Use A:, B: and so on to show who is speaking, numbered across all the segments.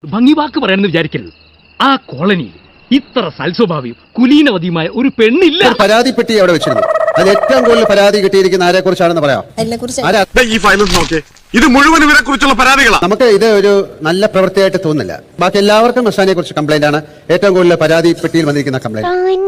A: ഭംഗി വാക്ക് പറയാനെന്ന് വിചാരിക്കരുത്. ആ കോളനി ഇത്ര സൽസ്വഭാവിയും കുലീനവതിയുമായ ഒരു പെണ്ണില്ല.
B: പരാതിപ്പെട്ടി അവിടെ വെച്ചിരുന്നു. അതിൽ ഏറ്റവും കൂടുതൽ പരാതി കിട്ടിയിരിക്കുന്ന ആരെ കുറിച്ചാണെന്ന് പറയാം.
C: ഈ ഫയലും നോക്കി, ഇത് മുഴുവൻ ഇവരെ കുറിച്ചുള്ള പരാതികളാണ്.
B: നമുക്ക് ഇത് ഒരു നല്ല പ്രവൃത്തിയായിട്ട് തോന്നുന്നില്ല. ബാക്കി എല്ലാവർക്കും മസ്താനിയെ കുറിച്ച് കംപ്ലൈന്റ് ആണ്. ഏറ്റവും കൂടുതൽ പരാതിപ്പെട്ടിയിൽ വന്നിരിക്കുന്ന കംപ്ലൈന്റ്.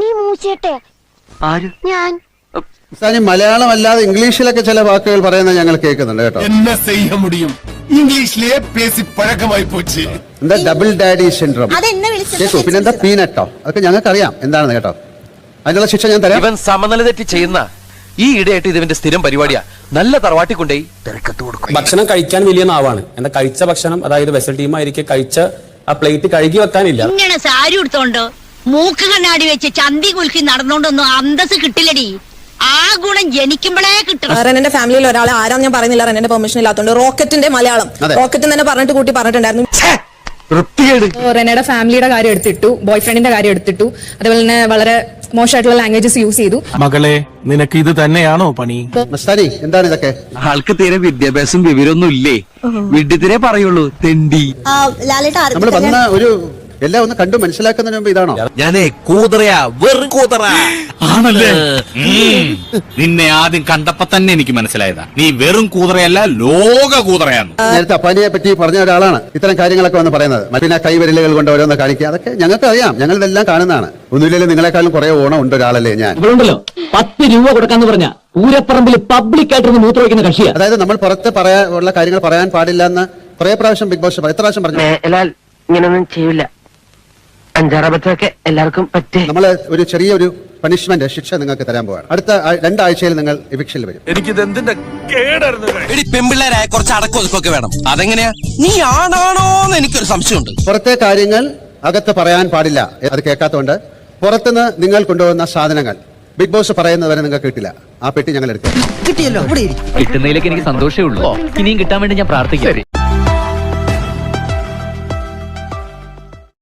B: മസ്താനി മലയാളം അല്ലാതെ ഇംഗ്ലീഷിലൊക്കെ ചില വാക്കുകൾ പറയുന്നത് ഞങ്ങൾ കേൾക്കുന്നുണ്ട് കേട്ടോ.
D: ഇംഗ്ലീഷിലെ പേസി പഴക്കമായി പോച്ച്.
B: എന്താ ഡബിൾ ഡാഡി സിൻഡ്രോം കേൾക്കൂ. പിന്നെന്താ പീനട്ടോ, അതൊക്കെ ഞങ്ങൾക്ക് അറിയാം എന്താണെന്ന് കേട്ടോ. അതിനുള്ള ശിക്ഷ ഞാൻ തരാം.
E: ഇവൻ സമനില തെറ്റി ചെയ്യുന്ന ഈ ഇടയായിട്ട് ഇതിന്റെ സ്ഥിരം പരിപാടിയാ. നല്ല തറവാട്ടി കൊണ്ടേ തിരക്കത്ത് കൊടുക്കും.
F: ഭക്ഷണം കഴിക്കാൻ വലിയ നാവാണ്. എന്താ കഴിച്ച ഭക്ഷണം, അതായത് വെസൽ ടീം ആയിരിക്കും കഴിച്ച ആ പ്ലേറ്റ് കഴുകി വെക്കാനില്ല.
G: ഇങ്ങനെ സാരി എടുത്തോണ്ട് മൂക്ക് കണ്ണാടി വെച്ച് ചന്തി കുലുക്കി നടന്നോണ്ടൊന്നും അന്തസ് കിട്ടില്ലടി. ആ ഗുണം ജനിക്കുമ്പോഴേ കിട്ടും.
H: റെനന്റെ ഫാമിലിയിൽ ഒരാളെ ആരാന്ന് ഞാൻ പറയുന്നില്ല, റെനന്റെ പെർമിഷൻ ഇല്ലാത്തതുകൊണ്ട് റോക്കറ്റിന്റെ മലയാളം റോക്കറ്റ് തന്നെ പറഞ്ഞിട്ട് കൂട്ടി പറഞ്ഞിട്ടുണ്ടായിരുന്നു. റെനയുടെ ഫാമിലിയുടെ കാര്യം എടുത്തിട്ടു, ബോയ് ഫ്രണ്ടിന്റെ കാര്യം എടുത്തിട്ടു, അതേപോലെ തന്നെ വളരെ മോശമായിട്ടുള്ള ലാംഗ്വേജസ് യൂസ് ചെയ്തു.
D: മകളെ, നിനക്ക് ഇത് തന്നെയാണോ പണി?
B: മസ്താനി എന്താണ് ഇതൊക്കെ?
E: ആൾക്ക് തീരെ വിദ്യാഭ്യാസം വിവരമൊന്നും ഇല്ലേ? വിഡ്ഢിത്തിരെ പറയുള്ളൂ, തെണ്ടി.
B: നമ്മൾ വന്ന ഒരു എല്ലാം ഒന്ന് കണ്ടു മനസ്സിലാക്കുന്നതിന് മുമ്പ് ഇതാണോ?
E: ഞാനേ കൂതറയാ, വെറും കൂതറ
I: ആണല്ലേ? നിന്നെ ആദ്യം കണ്ടപ്പോ തന്നെ എനിക്ക് മനസ്സിലായതാ, നീ വെറും കൂതറയല്ല, ലോക കൂതറയാണ്.
B: നേരത്തെ അപ്പാനിയെ പറ്റി പറഞ്ഞ ഒരാളാണ് ഇത്തരം കാര്യങ്ങളൊക്കെ വന്ന് പറയുന്നത്. പിന്നെ കൈവിരലുകൾ കൊണ്ട് ഓരോന്ന് കാണിക്കുക, അതൊക്കെ ഞങ്ങൾക്ക് അറിയാം, ഞങ്ങൾ ഇതെല്ലാം കാണുന്നതാണ്. ഒന്നുമില്ലെങ്കിലും നിങ്ങളെക്കാളും കുറെ ഓണം ഉണ്ട് ഒരാളല്ലേ ഞാൻ.
A: ഇവളുണ്ടല്ലോ 10 രൂപ കൊടുക്കാന്ന് പറഞ്ഞ പൂരപ്പറമ്പിൽ പബ്ലിക് ആയിട്ടൊന്ന് മൂത്ര വയ്ക്കുന്ന കക്ഷിയാ.
B: അതായത് നമ്മൾ പുറത്ത് ഉള്ള കാര്യങ്ങൾ പറയാൻ പാടില്ല എന്ന് കുറെ പ്രാവശ്യം ബിഗ് ബോസ് എത്ര പ്രാവശ്യം പറഞ്ഞു.
J: ഇങ്ങനൊന്നും ചെയ്യില്ല, അഞ്ചാറബത്തൊക്കെ എല്ലാവർക്കും പറ്റേ.
B: നമ്മൾ ഒരു ചെറിയൊരു പണിഷ്മെന്റ് ശിക്ഷ നിങ്ങൾക്ക് തരാൻ പോവാണ്. അടുത്ത 2 ആഴ്ചയിൽ നിങ്ങൾ എവിക്ഷനിൽ വരും.
C: എനിക്കിത് എന്തിന്റെ കേടായിരുന്നു.
E: പെമ്പിള്ളേരായ കുറച്ച് അടക്കൊതുക്കൊക്കെ വേണം. അതെങ്ങനെയാ? നീ ആണാണോന്ന് എനിക്കൊരു സംശയമുണ്ട്.
B: പുറത്തെ കാര്യങ്ങൾ അകത്ത് പറയാൻ പാടില്ല. അത് കേൾക്കാത്തതുകൊണ്ട് പുറത്തുനിന്ന് നിങ്ങൾ കൊണ്ടുപോകുന്ന സാധനങ്ങൾ ബിഗ് ബോസ് പറയുന്നത് വരെ നിങ്ങൾക്ക് കിട്ടില്ല. ആ പെട്ടി ഞങ്ങൾ എടുക്കും.
A: കിട്ടുന്നതിലേക്ക് എനിക്ക് സന്തോഷമേ ഉള്ളൂ. ഇനിയും കിട്ടാൻ വേണ്ടി ഞാൻ പ്രാർത്ഥിക്കാം.